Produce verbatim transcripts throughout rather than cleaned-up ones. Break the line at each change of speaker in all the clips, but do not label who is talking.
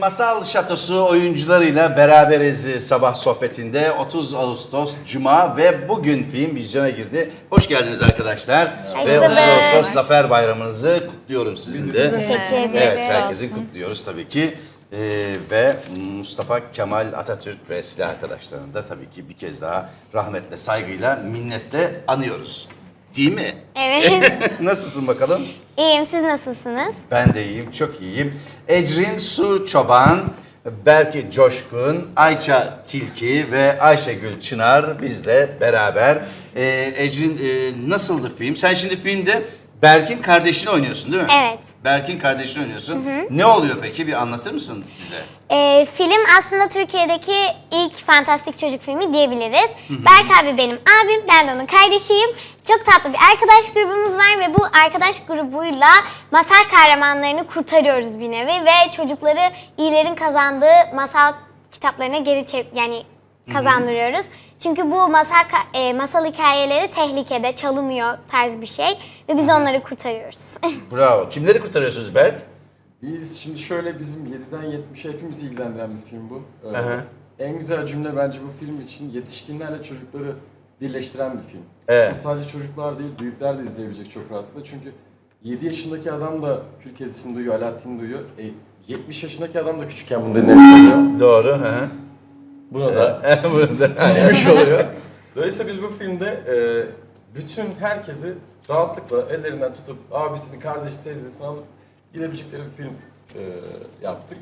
Masal Şatosu oyuncularıyla beraberiz sabah sohbetinde. otuz Ağustos Cuma ve bugün film vizyona girdi. Hoş geldiniz arkadaşlar.
Hoş
Ve
bulduk.
otuz Ağustos Zafer Bayramınızı kutluyorum sizin de.
Teşekkür ederim.
Evet, herkesi kutluyoruz tabii ki. Ee, ve Mustafa Kemal Atatürk ve silah arkadaşlarını da tabii ki bir kez daha rahmetle, saygıyla, minnetle anıyoruz. Değil mi?
Evet.
Nasılsın bakalım?
İyiyim, siz nasılsınız?
Ben de iyiyim, çok iyiyim. Ecrin Su Çoban, Berke Coşkun, Ayça Tilki ve Ayşegül Çınar bizle beraber. Ee, Ecrin e, nasıldı film? Sen şimdi filmde Berk'in kardeşini oynuyorsun değil mi?
Evet.
Berk'in kardeşini oynuyorsun. Ne oluyor peki? Bir anlatır mısın bize?
Ee, film aslında Türkiye'deki ilk fantastik çocuk filmi diyebiliriz. Berk abi benim abim, ben de onun kardeşiyim. Çok tatlı bir arkadaş grubumuz var ve bu arkadaş grubuyla masal kahramanlarını kurtarıyoruz bir nevi ve çocukları iyilerin kazandığı masal kitaplarına geri çev yani kazandırıyoruz. Çünkü bu masal ka- e, masal hikayeleri tehlikede, çalınıyor tarz bir şey ve biz onları kurtarıyoruz.
Bravo. Kimleri kurtarıyorsunuz Berk?
Biz şimdi şöyle bizim yediden yetmişe hepimizi ilgilendiren bir film bu. Ee,
Aha.
En güzel cümle bence bu film için yetişkinlerle çocukları birleştiren bir film.
Evet.
Bu sadece çocuklar değil, büyükler de izleyebilecek çok rahatlıkla. Çünkü yedi yaşındaki adam da Kül Kedisi'ni duyuyor, Alaaddin'i duyuyor. E, yetmiş yaşındaki adam da küçükken bunu dinlemiş oluyor.
Doğru. Hı hı.
Buna da
Bunu da-
dinlemiş oluyor. Dolayısıyla biz bu filmde e, bütün herkesi rahatlıkla ellerinden tutup abisini, kardeşi, teyzesini alıp gidebilecekleri bir film e, yaptık.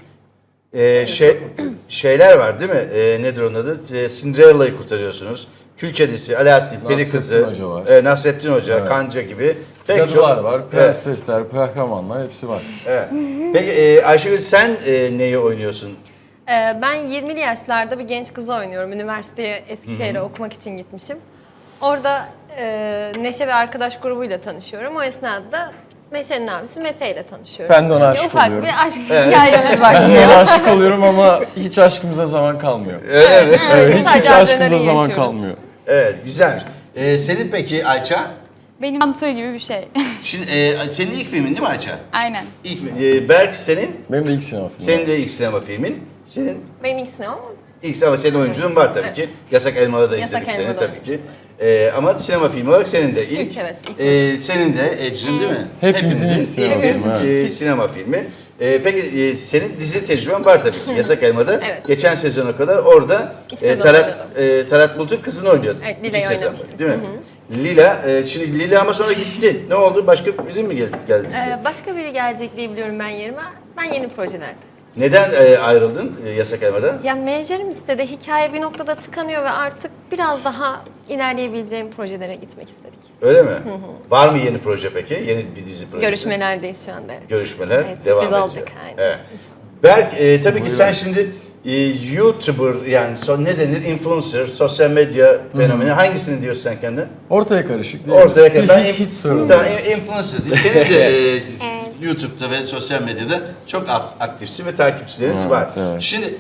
Ee, şey, şeyler var değil mi? Ee, nedir onun adı? Ee, Cinderella'yı kurtarıyorsunuz. Kül Kedisi, Alaaddin, Peri
Nasrettin
Kızı,
Hoca var.
e, Nasrettin Hoca,
Evet.
Kanca gibi. Pek
Cadılar
çok-
var,
Evet,
prensesler, kahramanlar hepsi var.
evet. Peki e, Ayşegül sen e, neyi oynuyorsun?
Ee, Ben yirmili yaşlarda bir genç kızı oynuyorum. Üniversiteye Eskişehir'e okumak için gitmişim. Orada e, Neşe ve arkadaş grubuyla tanışıyorum. O esnada da Neşe'nin abisi Mete ile tanışıyorum.
Ben de ona aşık
Ufak
oluyorum.
bir aşk hikayemiz
Ben
başlıyor.
ona aşık oluyorum ama hiç aşkımıza zaman kalmıyor.
Öyle mi?
Evet, hiç hiç
sadece
aşkımıza
adrenalin
zaman
yaşıyoruz.
kalmıyor.
Evet, güzelmiş. E, senin peki Ayça?
Benim mantığı gibi bir şey.
Şimdi e, senin ilk filmin değil mi Ayça?
Aynen.
İlk, e, Berk senin,
Benim de ilk sinema filmi.
senin de ilk sinema filmin. Senin
Benim ikisine ama
ilk ama senin oyunculuğun var tabii
Evet.
ki. Yasak Elma'da da
Yasak
izledik seni
Elma'da
tabii ki. E, ama sinema filmi olarak senin de ilk.
İlk, evet, ilk.
E, senin de Ecrin değil mi?
Hepimizin ilk
ilk
sinema
bir
filmi,
e, sinema filmi. E, peki e, senin dizi tecrüben var tabii ki. Yasak Elma'da.
Evet.
Geçen sezona kadar orada
İki
e,
sezon
Talat,
oynadım.
e, Talat Bulut'un kızını oynuyordun.
Evet,
İki
Lila'yı
sezon
oynamıştım.
değil mi? Lila, e, şimdi Lila ama sonra gitti. Ne oldu? Başka biri mi geldi? geldi size?
e, başka biri gelecek diye biliyorum ben yerime. Ben yeni projelerde.
Neden e, ayrıldın e, Yasak Elma'da?
Ya menajerim istedi. Hikaye bir noktada tıkanıyor ve artık biraz daha ilerleyebileceğim projelere gitmek istedik.
Öyle mi? Var mı yeni proje peki? Yeni bir dizi projesi?
Görüşmelerdeyiz şu anda, evet.
Görüşmeler
Evet,
devam
sürpriz
ediyor.
olacak, aynen.
Evet.
İnşallah.
Berk, e, tabii ki sen şimdi e, YouTuber yani so, ne denir? Influencer, sosyal medya fenomeni. Hangisini diyorsun sen kendine?
Ortaya karışık değil mi?
Ortaya kadar. Ben
hiç, hiç sorun
tamam,
değil.
in- influencer değil. Senin de e, YouTube'da ve sosyal medyada çok ak- aktifsin ve takipçileriniz
Evet,
var.
evet.
Şimdi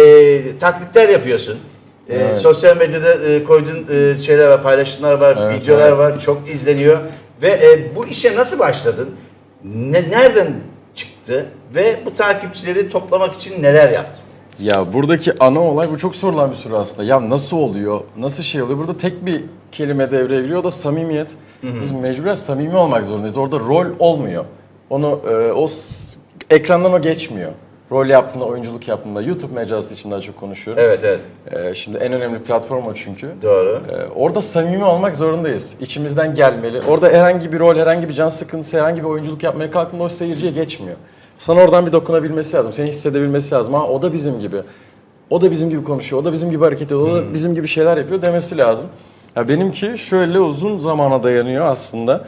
e, taklitler yapıyorsun. E,
Evet.
Sosyal medyada e, koyduğun e, şeyler var, paylaşımlar var,
Evet,
videolar
evet.
var, çok izleniyor. Ve e, bu işe nasıl başladın? Ne, nereden çıktı? Ve bu takipçileri toplamak için neler yaptın?
Ya buradaki ana olay, bu çok sorulan bir soru aslında. Ya nasıl oluyor, nasıl şey oluyor? Burada tek bir kelime devreye giriyor, o da samimiyet. Biz mecburen samimi olmak zorundayız. Orada rol olmuyor. Onu, e, o s- ekrandan o geçmiyor. Rol yaptığında, oyunculuk yaptığında, YouTube mecrası için daha çok konuşuyorum.
Evet, evet.
E, şimdi en önemli platform o çünkü.
Doğru.
E, orada samimi olmak zorundayız. İçimizden gelmeli. Orada herhangi bir rol, herhangi bir can sıkıntısı, herhangi bir oyunculuk yapmaya kalktığında o seyirciye geçmiyor. Sana oradan bir dokunabilmesi lazım, seni hissedebilmesi lazım. Ha o da bizim gibi, o da bizim gibi konuşuyor, o da bizim gibi hareket ediyor, o da bizim gibi şeyler yapıyor demesi lazım. Ya benimki şöyle uzun zamana dayanıyor aslında.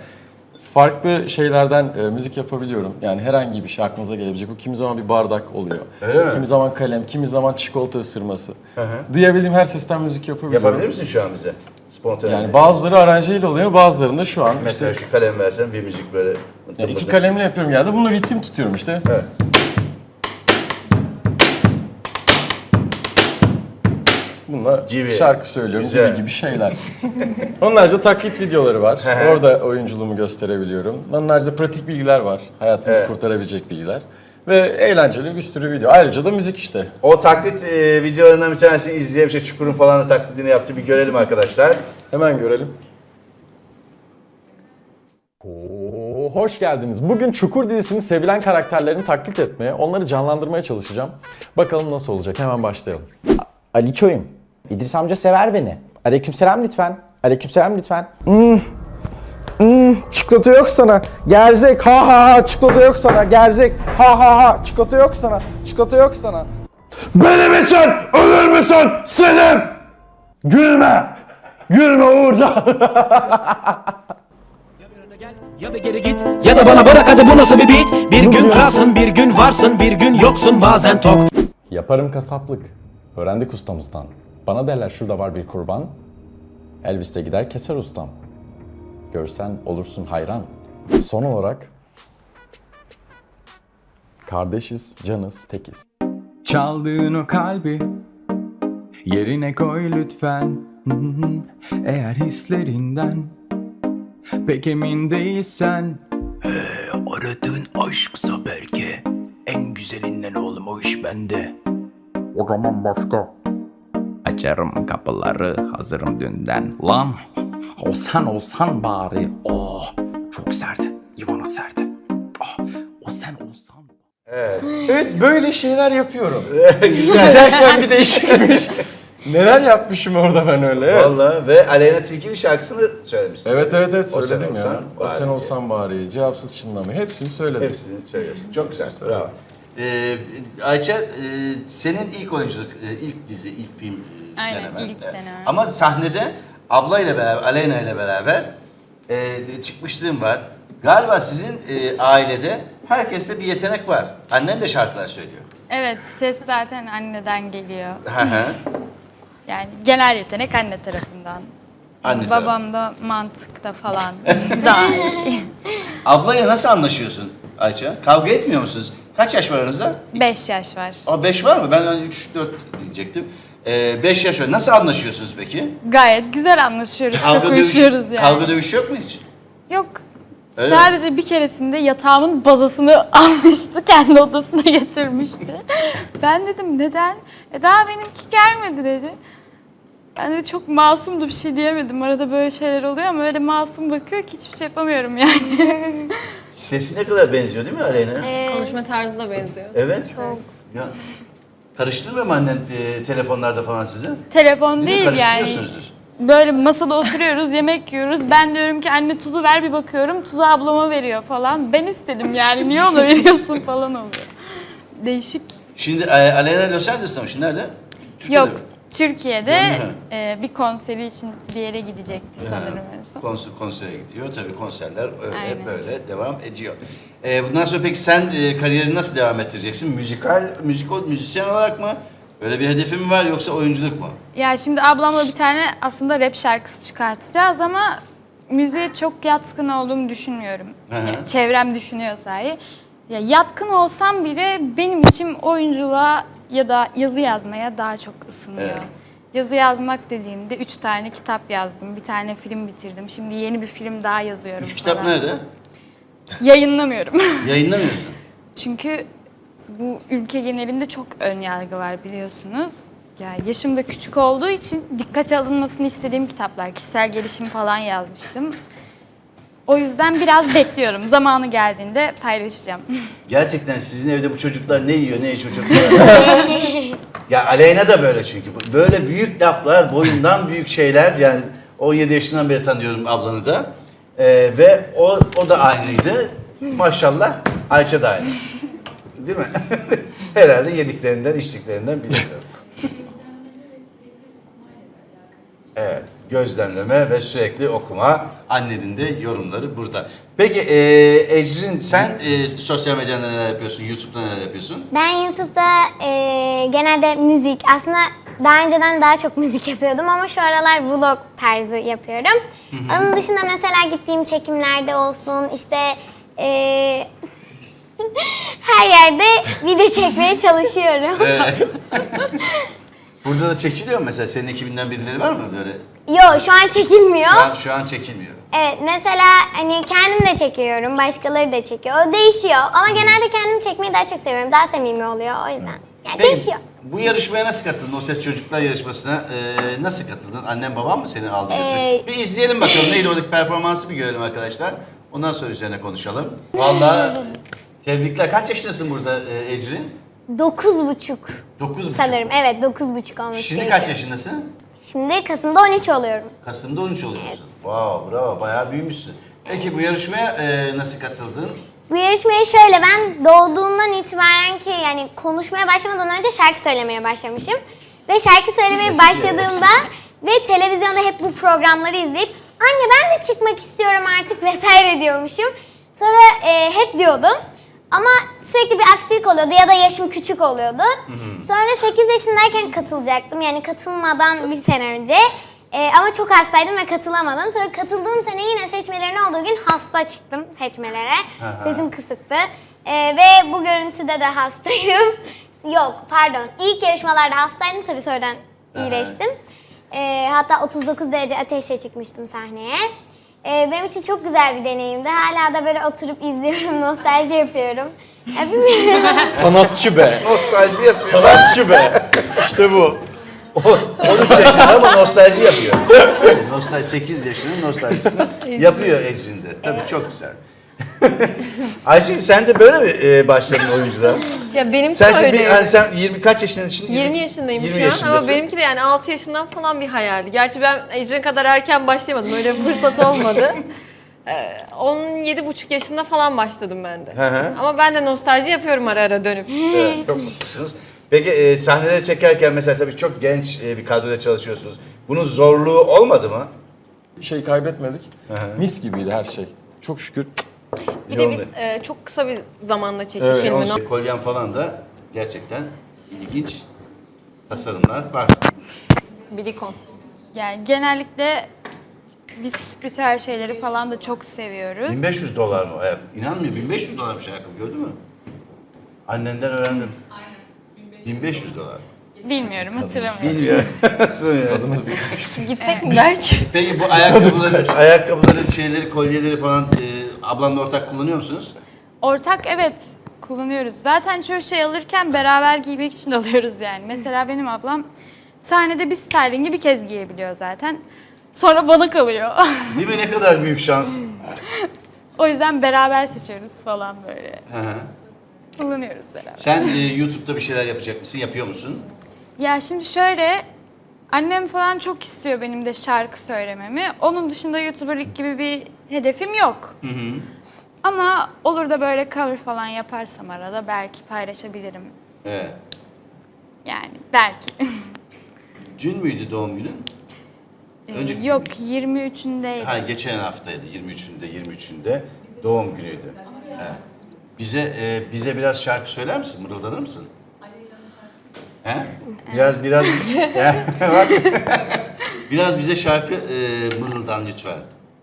Farklı şeylerden e, müzik yapabiliyorum. Yani herhangi bir şey aklınıza gelebilecek. O kimi zaman bir bardak oluyor.
Öyle mi?
Kimi zaman kalem, kimi zaman çikolata ısırması. Duyabildiğim her sesten müzik yapabiliyorum.
Yapabilir misin şu an bize? Spontane.
Yani bazıları aranjeyle oluyor, bazılarında şu an
Mesela
işte
şu kalem versen bir müzik böyle.
ya iki kalemle yapıyorum genelde. Bunu ritim tutuyorum işte.
Evet.
Bununla
Gibi.
şarkı söylüyorum
Güzel.
gibi gibi şeyler. Onun haricinde taklit videoları var. Orada oyunculuğumu gösterebiliyorum. Onun haricinde pratik bilgiler var. Hayatımızı
Evet.
kurtarabilecek bilgiler. Ve eğlenceli bir sürü video. Ayrıca da müzik işte.
O taklit e, videolarından bir tanesini izleyelim. İşte Çukur'un falan da taklidini yaptı. Bir görelim arkadaşlar.
Hemen görelim. Oo, hoş geldiniz. Bugün Çukur dizisinin sevilen karakterlerini taklit etmeye, onları canlandırmaya çalışacağım. Bakalım nasıl olacak. Hemen başlayalım.
Ali Çoyum. İdris amca sever beni. Aleykümselam lütfen. Aleykümselam lütfen. Hmm. Hmm. Çikolata yok sana. Gerzek. Ha ha ha. Çikolata yok sana. Gerzek. Ha ha ha. Çikolata yok sana. Çikolata yok sana.
Benim için ölür müsün Selim? Gülme. Gülme Uğurcan.
Ya bir geri git ya da bana bırak, hadi bu nasıl bir beat? Bir gün kralsın, bir gün varsın, bir gün yoksun, bazen tok.
Yaparım kasaplık. Öğrendik ustamızdan. Bana derler şurada var bir kurban. Elvis de gider keser ustam. Görsen olursun hayran. Son olarak kardeşiz, canız, tekiz.
Çaldığın o kalbi yerine koy lütfen. Hı hı. Eğer hislerinden pek emin değilsen,
Aradığın aşksa belki en güzelinden oğlum, o iş bende.
o zaman başka. Açarım kapıları, hazırım dünden. Lan olsan olsan bari. Oh çok sert, Ivana sert. Oh, o sen olsan.
Evet, böyle şeyler yapıyorum. İzlerken bir değişikmiş. Neler yapmışım orada ben öyle. Evet.
Vallahi ve Aleyna Tilki'nin şarkısını söylemişsin.
Evet evet evet
O sen
söyledim ya.
olsan
O
bari
sen
diye.
olsan bari. Cevapsız çınlama. Hepsini söyledim.
Hepsini söylüyorsun. Çok güzel. Bravo. Ee, Ayça, e, senin ilk oyunculuk, e, ilk dizi, ilk film e,
Aynen,
denemen.
ilk denemem.
Ama sahnede ablayla beraber, Aleyna ile beraber e, çıkmışlığın var. Galiba sizin e, ailede herkeste bir yetenek var. Annen de şarkılar söylüyor.
Evet, ses zaten anneden geliyor.
Hı hı.
Yani genel yetenek anne tarafından.
Anne
Babam da mantıkta falan daha iyi.
Ablayla nasıl anlaşıyorsun Ayça? Kavga etmiyor musunuz? Kaç yaş var aranızda?
Beş yaş var.
Aa, beş var mı? Ben hani üç dört diyecektim. Ee, beş yaş var. Nasıl anlaşıyorsunuz peki?
Gayet güzel anlaşıyoruz, çok
dövüş,
uyuşuyoruz yani.
kavga dövüş yok mu hiç?
Yok.
Öyle
Sadece bir keresinde yatağımın bazasını almıştı, kendi odasına getirmişti. Ben dedim neden? E daha benimki gelmedi dedi. Ben de çok masumdu, bir şey diyemedim. Arada böyle şeyler oluyor ama öyle masum bakıyor ki hiçbir şey yapamıyorum yani.
Sesi ne kadar benziyor değil mi Aleyna?
Konuşma tarzı da benziyor.
Evet. Çok. Ya, karıştırmıyor mu annen e, telefonlarda falan sizi?
Telefon
mi?
değil yani.
Karıştırıyorsunuzdur.
Böyle masada oturuyoruz, yemek yiyoruz. Ben diyorum ki anne tuzu ver, bir bakıyorum tuzu ablama veriyor falan. Ben istedim yani, niye ona veriyorsun falan oluyor. Değişik.
Şimdi e, Aleyna Los Angeles'ta mı? Şimdi nerede? Türkiye'de
Yok,
mi?
Türkiye'de
Hı.
e, bir konseri için bir yere gidecekti sanırım en son.
Konser, konsere gidiyor. Tabii konserler öyle
Aynen.
böyle devam ediyor. Ee, bundan sonra peki sen e, kariyerini nasıl devam ettireceksin? Müzikal, müzikal, müzisyen olarak mı? Öyle bir hedefin mi var yoksa oyunculuk mu?
Ya şimdi ablamla bir tane aslında rap şarkısı çıkartacağız ama müziğe çok yatkın olduğumu düşünmüyorum.
Hı hı.
Yani çevrem düşünüyor sahi. Ya yatkın olsam bile benim için oyunculuğa ya da yazı yazmaya daha çok ısınıyor.
Evet.
Yazı yazmak dediğimde üç tane kitap yazdım, bir tane film bitirdim. Şimdi yeni bir film daha yazıyorum.
Üç kitap
falan.
nerede?
Yayınlamıyorum.
Yayınlamıyorsun.
Çünkü bu ülke genelinde çok ön yargı var biliyorsunuz. Ya yaşım da küçük olduğu için dikkate alınmasını istediğim kitaplar, kişisel gelişim falan yazmıştım. O yüzden biraz bekliyorum. Zamanı geldiğinde paylaşacağım.
Gerçekten sizin evde bu çocuklar ne yiyor ne içiyor çocuklar? Ya Aleyna da böyle çünkü. Böyle büyük laflar, boyundan büyük şeyler. Yani on yedi yaşından beri tanıyorum ablanı da. Ee, ve o, o da aynıydı. Maşallah Ayça da aynı. Değil mi? Herhalde yediklerinden, içtiklerinden biliyorum. Evet, gözlemleme ve sürekli okuma. Annenin de yorumları burada. Peki e, Ecrin, sen e, sosyal medyada neler yapıyorsun, YouTube'da neler yapıyorsun?
Ben YouTube'da e, genelde müzik, aslında daha önceden daha çok müzik yapıyordum ama şu aralar vlog tarzı yapıyorum. Onun dışında mesela gittiğim çekimlerde olsun, işte e, her yerde video çekmeye çalışıyorum.
Burada da çekiliyor mu mesela? Senin ekibinden birileri var mı böyle?
Yo, şu an çekilmiyor.
Şu an, şu an çekilmiyor.
Evet, mesela hani kendim de çekiyorum, başkaları da çekiyor. O değişiyor. Ama genelde kendimi çekmeyi daha çok seviyorum. Daha samimi oluyor o yüzden. Yani
Peki,
değişiyor.
bu yarışmaya nasıl katıldın? O Ses Çocuklar yarışmasına e, nasıl katıldın? Annen baban mı seni aldı götürdü?
Ee,
Bir izleyelim bakalım. Neydi oradaki performansı bir görelim arkadaşlar. Ondan sonra üzerine konuşalım. Vallahi tebrikler. Kaç yaşındasın burada e, Ecrin?
Dokuz buçuk
Dokuz buçuk.
sanırım. Evet, dokuz buçuk olmuş.
Şimdi kaç yaşındasın?
Şimdi Kasım'da on üç oluyorum.
Kasım'da on üç oluyorsun. Wow, bravo. Bayağı büyümüşsün. Peki bu yarışmaya e, nasıl katıldın?
Bu yarışmaya şöyle, ben doğduğumdan itibaren ki yani konuşmaya başlamadan önce şarkı söylemeye başlamışım. Ve şarkı söylemeye başladığımda ve televizyonda hep bu programları izleyip anne ben de çıkmak istiyorum artık vesaire diyormuşum. Sonra e, hep diyordum. Ama sürekli bir aksilik oluyordu ya da yaşım küçük oluyordu. Sonra sekiz yaşındayken katılacaktım. Yani katılmadan bir sene önce. Ee, ama çok hastaydım ve katılamadım. Sonra katıldığım sene yine seçmelerin olduğu gün hasta çıktım seçmelere. Sesim kısıktı. Ee, ve bu görüntüde de hastayım. Yok pardon. İlk yarışmalarda hastaydım. Tabii sonradan iyileştim. Ee, hatta otuz dokuz derece ateşle çıkmıştım sahneye. Ee, benim için çok güzel bir deneyimdi. Hala da böyle oturup izliyorum, nostalji yapıyorum. Ya bilmiyorum.
Sanatçı be.
Nostalji yapıyor.
Sanatçı be. İşte bu.
on üç yaşında ama nostalji yapıyor. Nostalji sekiz yaşının nostaljisini yapıyor Ecrin'de. Tabii çok güzel. Ayşe sen de böyle mi e, başladın oyunculuğa?
Ya benimki
Sen
de
şimdi
öyle.
bir, yani sen yirmi kaç yaşındaydın şimdi?
yirmi yaşındayım
yirmi
şu an ama
yaşındasın.
benimki de yani altı yaşından falan bir hayaldi. Gerçi ben Ecrin kadar erken başlayamadım. Öyle bir fırsat olmadı. Ee, on yedi buçuk yaşında falan başladım ben de.
Hı hı.
Ama ben de nostalji yapıyorum ara ara dönüp.
Evet, çok mutlusunuz. Peki e, sahneleri çekerken mesela tabii çok genç e, bir kadroyla çalışıyorsunuz. Bunun zorluğu olmadı mı?
Bir şey kaybetmedik. Mis gibiydi her şey. Çok şükür.
Bir
İyi
de
oldu.
biz e, çok kısa bir zamanda çektik
Evet.
filmi.
Onun kolyen falan da gerçekten ilginç tasarımlar var.
Bilikon.
Yani genellikle biz spiritüel şeyleri falan da çok seviyoruz.
bin beş yüz dolar mı? Ayak- İnanmıyor bin beş yüz dolarmış ayakkabı gördün mü? Annenden öğrendim. bin beş yüz dolar.
Bilmiyorum, hatırlamıyorum.
Bilmiyorum.
Gitsek mi belki?
Peki bu ayakkabıları, ayakkabıları, şeyleri, kolyeleri falan e, ablanla ortak kullanıyor musunuz?
Ortak evet kullanıyoruz. Zaten çoğu şey alırken beraber giymek için alıyoruz yani. Mesela benim ablam sahnede bir stylingi bir kez giyebiliyor zaten. Sonra bana kalıyor.
Değil mi? Ne kadar büyük şans.
O yüzden beraber seçiyoruz falan böyle.
Hı hı.
Kullanıyoruz beraber.
Sen e, YouTube'da bir şeyler yapacak mısın? Yapıyor musun?
Ya şimdi şöyle, annem falan çok istiyor benim de şarkı söylememi. Onun dışında YouTuber'lık gibi bir hedefim yok.
Hı hı.
Ama olur da böyle cover falan yaparsam arada belki paylaşabilirim.
Evet.
Yani belki.
Dün müydü doğum günün? Önce-
Yok yirmi üçündeydi.
Ha, geçen haftaydı. yirmi üçünde, yirmi üçünde doğum günüydü. Evet. Bize e, bize biraz şarkı söyler misin? Mırıldanır mısın? He? Biraz biraz Ya, bak. Biraz bize şarkı e, mırıldan lütfen.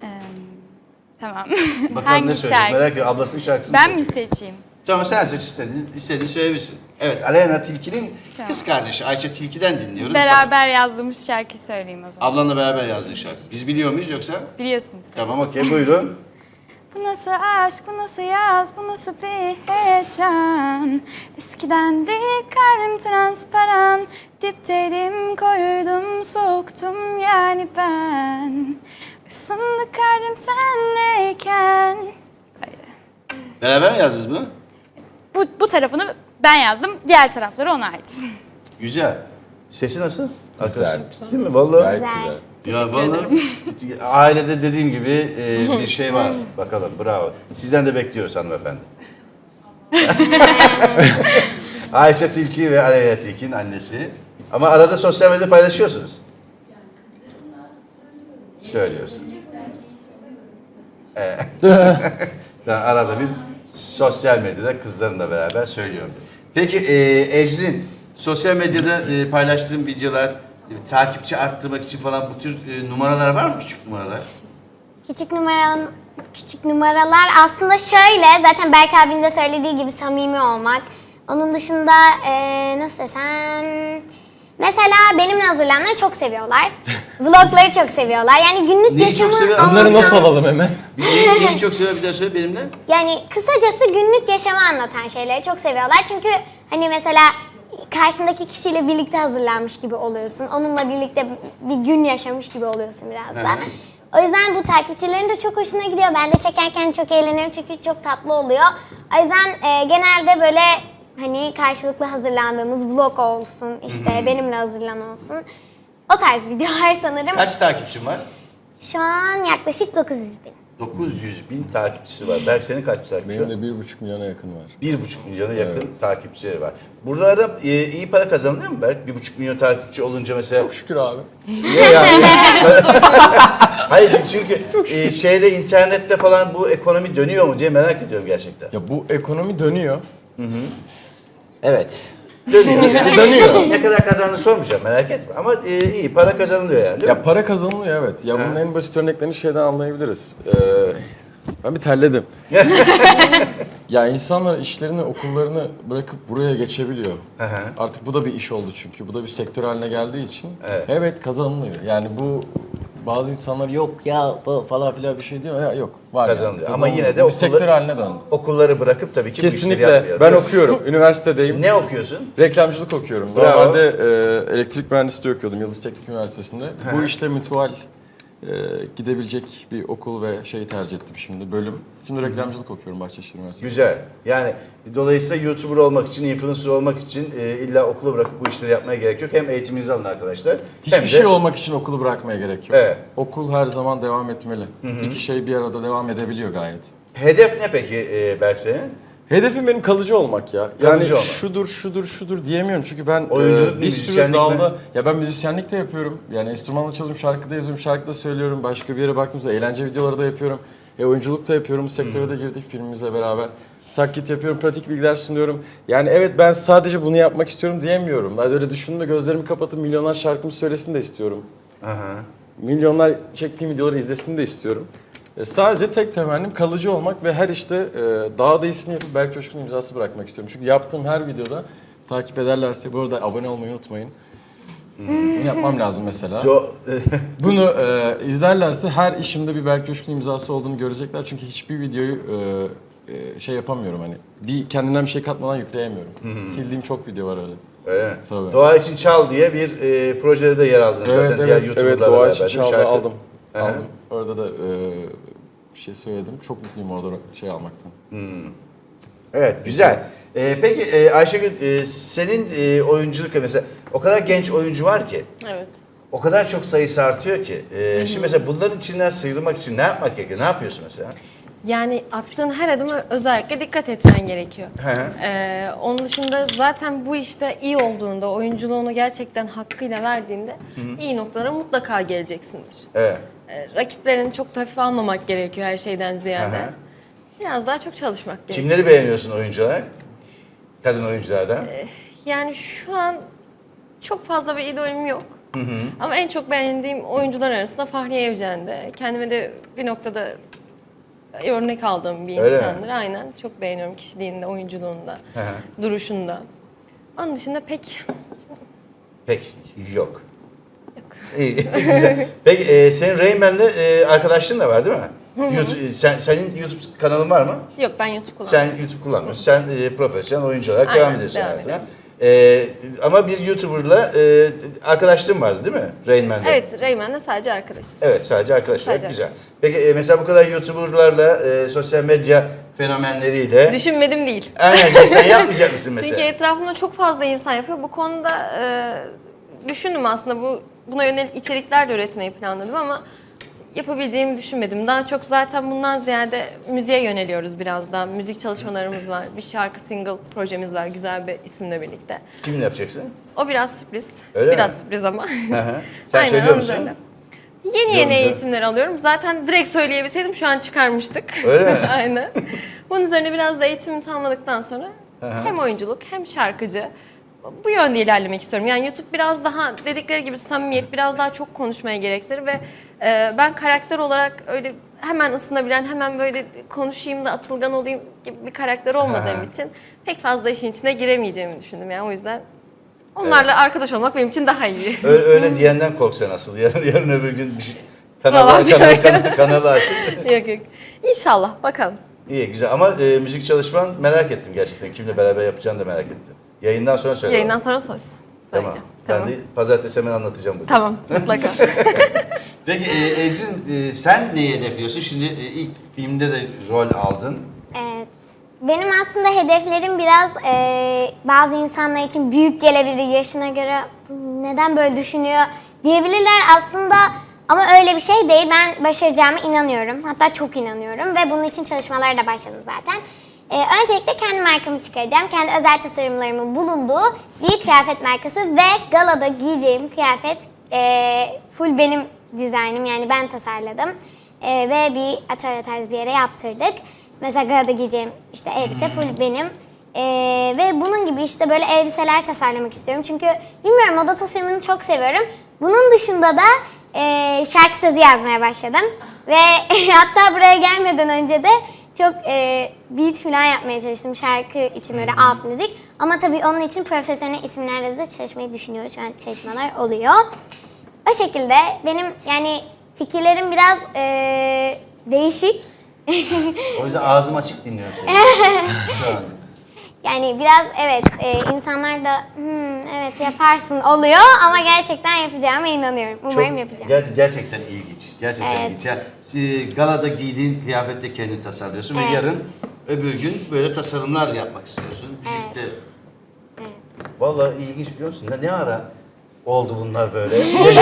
Tamam.
Bakalım
Hangi
ne söyleyecek?
şarkı?
Merak ediyorum. Ablasının şarkısını
Ben mi
söyleyecek.
seçeyim?
Tamam sen seç istediğin, istediğin söyleyebilirsin. Evet, Aleyna Tilki'nin
Tamam.
kız kardeşi Ayça Tilki'den dinliyoruz.
Beraber yazdığımız şarkı söyleyeyim o zaman.
Ablanla beraber yazdığın şarkı. Biz biliyor muyuz yoksa?
Biliyorsunuz.
Tamam okey buyurun.
Bu nasıl aşk, bu nasıl yaz, bu nasıl bir heyecan. Eskiden de kalbim transparan. Dipteydim, koydum, soktum yani ben. Isındı kalbim senleyken. Böyle.
Beraber mi yazdınız bunu?
Bu, bu tarafını ben yazdım, diğer tarafları ona ait.
Güzel. Sesi nasıl?
Güzel.
Değil mi? Vallahi.
Gayet
Güzel.
güzel.
Ya vallahi ailede dediğim gibi e, bir şey var. Bakalım bravo. Sizden de bekliyoruz hanımefendi. Ayça Tilki ve Aleyna Tilki'nin annesi. Ama arada sosyal medyada paylaşıyorsunuz. Söylüyorsunuz. Evet. Ben arada biz sosyal medyada kızlarımla beraber söylüyorum. Peki e, Ecrin, sosyal medyada e, paylaştığım videolar, e, takipçi arttırmak için falan bu tür e, numaralar var mı? Küçük numaralar.
Küçük numaralar, küçük numaralar aslında şöyle, zaten Berk abinin de söylediği gibi samimi olmak. Onun dışında eee, nasıl desem, Mesela benimle hazırlananları çok seviyorlar. Vlogları çok seviyorlar. Yani günlük
Neyi çok
yaşamı
seviyor?
anlatan-
Bunları not alalım hemen.
Neyi, neyi çok seviyor bir daha söyle benimle.
Yani kısacası günlük yaşamı anlatan şeyleri çok seviyorlar. Çünkü hani mesela karşındaki kişiyle birlikte hazırlanmış gibi oluyorsun. Onunla birlikte bir gün yaşamış gibi oluyorsun biraz da. O yüzden bu takipçilerin de çok hoşuna gidiyor. Ben de çekerken çok eğleniyorum çünkü çok tatlı oluyor. O yüzden e, genelde böyle hani karşılıklı hazırlandığımız vlog olsun, işte benimle hazırlan olsun. O tarz videolar sanırım.
Kaç takipçin var?
Şu an yaklaşık dokuz yüz bin.
dokuz yüz bin takipçisi var. Berk senin kaç takipçi var?
Benim de bir buçuk milyona yakın var.
Bir buçuk milyona yakın takipçileri var. Buralarda e, iyi para kazanılıyor mu Berk? Bir buçuk milyon takipçi olunca mesela...
Çok şükür abi.
Niye yani? Hayır çünkü e, şeyde internette falan bu ekonomi dönüyor mu diye merak ediyorum gerçekten.
Ya bu ekonomi dönüyor.
Evet. Dönüyor.
Dönüyor.
Ne kadar kazandığını sormayacağım merak etme. Ama e, iyi para kazanılıyor yani değil mi?
Ya para kazanılıyor evet. Ya bunun en basit örneklerini şeyden anlayabiliriz. Ee, ben bir terledim. Ya insanlar işlerini, okullarını bırakıp buraya geçebiliyor.
Hı hı.
Artık bu da bir iş oldu çünkü. Bu da bir sektör haline geldiği için.
Evet.
Evet, kazanılıyor. Yani bu bazı insanlar yok ya bu falan filan bir şey diyor. Ya yok. Var
Kazanılıyor.
yani.
Ama yine de
Bu bir
okullar-
sektör haline döndü.
Okulları bırakıp tabii ki bu işleri
Kesinlikle.
yapmıyor.
Ben
değil mi?
okuyorum. Üniversitedeyim.
Ne okuyorsun?
Reklamcılık okuyorum.
Bravo.
Normalde e, elektrik mühendisliği okuyordum Yıldız Teknik Üniversitesi'nde. Bu işle mütual e, gidebilecek bir okul ve şeyi tercih ettim şimdi, bölüm. Şimdi reklamcılık okuyorum Bahçeşehir Üniversitesi'nde.
Güzel. Yani dolayısıyla YouTuber olmak için, influencer olmak için e, illa okulu bırakıp bu işleri yapmaya gerek yok. Hem eğitiminizi alın arkadaşlar.
Hiçbir
hem de
şey olmak için okulu bırakmaya gerek yok.
Evet.
Okul her zaman devam etmeli. İki şey bir arada devam edebiliyor gayet.
hedef ne peki e, Berk senin?
Hedefim benim kalıcı olmak ya. Yani
Kalıcı olmak.
şudur şudur şudur diyemiyorum çünkü ben
Oyunculuk
e,
mu,
bir sürü
müzisyenlik mi?
dalda ya ben müzisyenlik de yapıyorum. Yani enstrümanla çalıyorum, şarkı da yazıyorum, şarkı da söylüyorum. Başka bir yere baktığımızda eğlence videoları da yapıyorum. E, oyunculuk da yapıyorum. Bu sektöre de girdik filmimizle beraber. Taklit yapıyorum, pratik bilgiler sunuyorum. Yani evet ben sadece bunu yapmak istiyorum diyemiyorum. Daha öyle düşündüm de gözlerimi kapatıp milyonlar şarkımı söylesin de istiyorum.
Aha.
Milyonlar çektiğim videoları izlesin de istiyorum. E, sadece tek temennim kalıcı olmak ve her işte e, daha da iyisini yapıp Berk Coşkun imzası bırakmak istiyorum. Çünkü yaptığım her videoda takip ederlerse, bu arada abone olmayı unutmayın. Bunu yapmam lazım mesela.
Jo
Bunu e, izlerlerse her işimde bir Berk Coşkun imzası olduğunu görecekler. Çünkü hiçbir videoyu e, e, şey yapamıyorum hani. Bir kendimden bir şey katmadan yükleyemiyorum. Sildiğim çok video var öyle.
öyle mi?
Tabii.
Doğa için Çal diye bir e, projede de yer aldınız
Evet
zaten diğer
evet,
YouTuber'larla
evet Doğa
beraber.
için
değil mi?
çaldı,
Şarkı-
aldım.
Aha.
Aldım. Orada da e, bir şey söyledim. Çok mutluyum orada şey almaktan.
Evet, güzel. Ee, peki e, Ayşegül, e, senin e, oyunculuk mesela o kadar genç oyuncu var ki,
Evet.
o kadar çok sayısı artıyor ki. E, şimdi mesela bunların içinden sıyrılmak için ne yapmak gerekiyor? Ne yapıyorsun mesela?
Yani attığın her adıma özellikle dikkat etmen gerekiyor.
Hı hı.
Ee, onun dışında zaten bu işte iyi olduğunda, oyunculuğunu gerçekten hakkıyla verdiğinde iyi noktalara mutlaka geleceksindir.
Evet.
Ee, rakiplerini çok da hafife almamak gerekiyor her şeyden ziyade.
Hı hı.
Biraz daha çok çalışmak gerekiyor.
Kimleri beğeniyorsun oyuncular? Kadın oyunculardan.
Yani şu an çok fazla bir idolüm yok. Ama en çok beğendiğim oyuncular arasında Fahriye Evcen'de. Kendime de bir noktada örnek aldığım bir
Öyle mi?
insandır. Aynen. Çok beğeniyorum kişiliğinde, oyunculuğunda,
Hı hı.
duruşunda. Onun dışında pek
Pek yok.
yok.
İyi, güzel. Peki e, senin Rain Man'le e, arkadaşlığın da var değil mi? YouTube, sen, senin YouTube kanalın var mı?
Yok, ben YouTube kullanmıyorum.
Sen YouTube kullanmıyorsun. Sen e, profesyonel oyuncu olarak
Aynen,
devam ediyorsun
devam
hayatına.
ediyorum.
E, ama bir YouTuber'la e, arkadaşlığın vardı değil mi? Rain Man'de.
Evet, Rayman'la sadece arkadaşız.
Evet, sadece arkadaş olarak
Sadece
güzel. Peki e, mesela bu kadar YouTuber'larla, e, sosyal medya fenomenleriyle...
Düşünmedim değil.
Aynen, sen yapmayacak mısın mesela?
Çünkü etrafımda çok fazla insan yapıyor. Bu konuda e, düşündüm aslında. Bu buna yönelik içerikler de üretmeyi planladım ama yapabileceğimi düşünmedim. Daha çok zaten bundan ziyade müziğe yöneliyoruz biraz daha. Müzik çalışmalarımız var. Bir şarkı single projemiz var güzel bir isimle birlikte.
Kiminle yapacaksın?
O biraz sürpriz.
Öyle
biraz
mi?
sürpriz ama.
Hı hı. Sen
Aynen,
söylüyor
onun
musun?
üzerine. Yeni yeni
Yorumcu.
eğitimler alıyorum. Zaten direkt söyleyebilseydim şu an çıkarmıştık.
Öyle mi?
Aynen. Bunun üzerine biraz da eğitimimi tamamladıktan sonra hem oyunculuk hem şarkıcı bu yönde ilerlemek istiyorum. Yani YouTube biraz daha dedikleri gibi samimiyet, biraz daha çok konuşmaya gerektirir ve e, ben karakter olarak öyle hemen ısınabilen, hemen böyle konuşayım da atılgan olayım gibi bir karakter olmadığım için pek fazla işin içine giremeyeceğimi düşündüm. Yani o yüzden Onlarla arkadaş olmak benim için daha iyi.
Öyle, öyle diyenden kork sen asıl. Yarın, yarın öbür gün bir şey, kanalı,
Falan
kanalı, kanalı, kanalı açıp.
yok yok. İnşallah bakalım.
İyi güzel ama e, müzik çalışman merak ettim gerçekten. Kimle beraber yapacağını da merak ettim. Yayından sonra söyle.
Yayından sonra söz.
Tamam.
Söyleyeceğim.
Ben
Tamam.
de pazartesi hemen anlatacağım bunu.
Tamam mutlaka.
Peki e, Ecrin e, sen neyi hedefliyorsun? Şimdi e, ilk filmde de rol aldın.
Evet. Benim aslında hedeflerim biraz e, bazı insanlar için büyük gelebilir. Yaşına göre "Bu neden böyle düşünüyor diyebilirler aslında. Ama öyle bir şey değil. Ben başaracağıma inanıyorum. Hatta çok inanıyorum. Ve bunun için çalışmalara da başladım zaten. E, öncelikle kendi markamı çıkaracağım. Kendi özel tasarımlarımın bulunduğu bir kıyafet markası. Ve galada giyeceğim kıyafet e, full benim dizaynım. Yani ben tasarladım. E, ve bir atölye tarzı bir yere yaptırdık. Mesela galada giyeceğim işte elbise full benim. Ee, ve bunun gibi işte böyle elbiseler tasarlamak istiyorum. Çünkü bilmiyorum moda tasarımını çok seviyorum. Bunun dışında da e, şarkı sözü yazmaya başladım. Ve hatta buraya gelmeden önce de çok e, beat falan yapmaya çalıştım şarkı için böyle alt müzik. Ama tabii onun için profesyonel isimlerle de çalışmayı düşünüyoruz. Şu an çalışmalar oluyor. O şekilde benim yani fikirlerim biraz e, değişik.
O yüzden ağzım açık dinliyorum seni. Şu an.
Yani biraz evet e, insanlar da "Hmm, evet yaparsın oluyor ama gerçekten yapacağıma inanıyorum. Umarım yapacağım.
ger- gerçekten ilginç. Gerçekten
Evet.
ilginç. Yani, e, galada giydiğin kıyafette kendini tasarlıyorsun
Evet.
ve yarın öbür gün böyle tasarımlar yapmak istiyorsun. Müzikte. Vallahi ilginç biliyor musun? Ne, ne ara oldu bunlar böyle?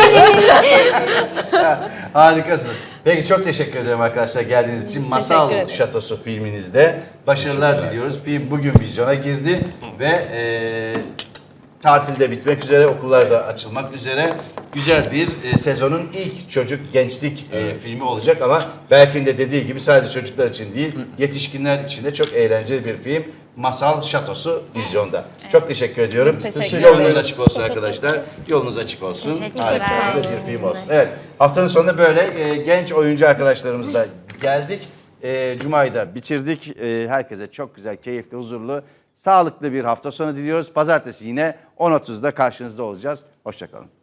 Harikasın. Peki çok teşekkür ederim arkadaşlar geldiğiniz için. Masal
ederiz.
Şatosu filminizde başarılar diliyoruz. Film bugün vizyona girdi ve e, tatilde bitmek üzere, okullar da açılmak üzere. Güzel bir e, sezonun ilk çocuk gençlik e, filmi olacak ama Berk'in de dediği gibi sadece çocuklar için değil, yetişkinler için de çok eğlenceli bir film. Masal Şatosu vizyonda. Çok teşekkür ediyorum.
Biz teşekkür
Yolunuz
ederiz.
açık olsun
Teşekkür
arkadaşlar. Yolunuz açık olsun.
Teşekkürler.
Harika bir film olsun. Evet. Haftanın sonunda böyle e, genç oyuncu arkadaşlarımızla geldik. E, Cuma'yı da bitirdik. E, herkese çok güzel, keyifli, huzurlu, sağlıklı bir hafta sonu diliyoruz. Pazartesi yine on otuzda karşınızda olacağız. Hoşça kalın.